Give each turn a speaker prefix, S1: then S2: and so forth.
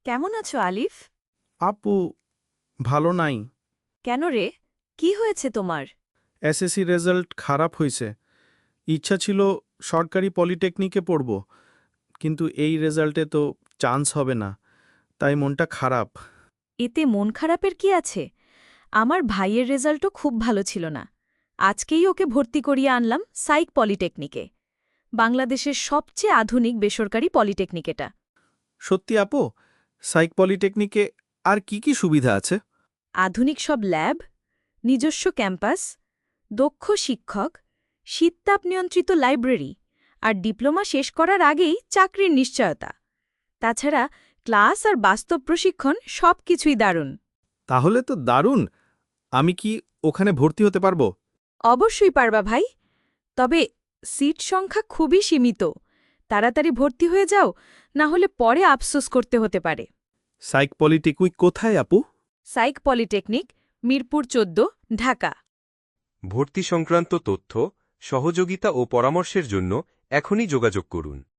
S1: কেমন আছো আলিফ?
S2: আপু ভালো নাই।
S1: কেন রে, কি হয়েছে তোমার?
S2: এসএসসি রেজাল্ট খারাপ হয়েছে। ইচ্ছা ছিল সরকারি পলিটেকনিকে পড়ব, কিন্তু এই রেজাল্টে তো চান্স হবে না, তাই মনটা খারাপ।
S1: এতে মন খারাপের কি আছে? আমার ভাইয়ের রেজাল্টও খুব ভালো ছিল না। আজকেই ওকে ভর্তি করিয়ে আনলাম সাইক পলিটেকনিকে। বাংলাদেশের সবচেয়ে আধুনিক বেসরকারি পলিটেকনিক এটা।
S2: সত্যি আপু, সাইক পলিটেকনিকে আর কি কি সুবিধা আছে?
S1: আধুনিক সব ল্যাব, নিজস্ব ক্যাম্পাস, দক্ষ শিক্ষক, শীততাপ নিয়ন্ত্রিত লাইব্রেরি আর ডিপ্লোমা শেষ করার আগেই চাকরির নিশ্চয়তা। তাছাড়া ক্লাস আর বাস্তব প্রশিক্ষণ সবকিছুই দারুণ।
S2: তাহলে তো দারুণ। আমি কি ওখানে ভর্তি হতে পারবো?
S1: অবশ্যই পারবা ভাই, তবে সিট সংখ্যা খুবই সীমিত। তাড়াতাড়ি ভর্তি হয়ে যাও, না হলে পরে আফসোস করতে হতে পারে।
S2: সাইক পলিটেকনিক কোথায় আপু?
S1: সাইক পলিটেকনিক, মিরপুর ১৪, ঢাকা।
S3: ভর্তি সংক্রান্ত তথ্য, সহযোগিতা ও পরামর্শের জন্য এখনই যোগাযোগ করুন।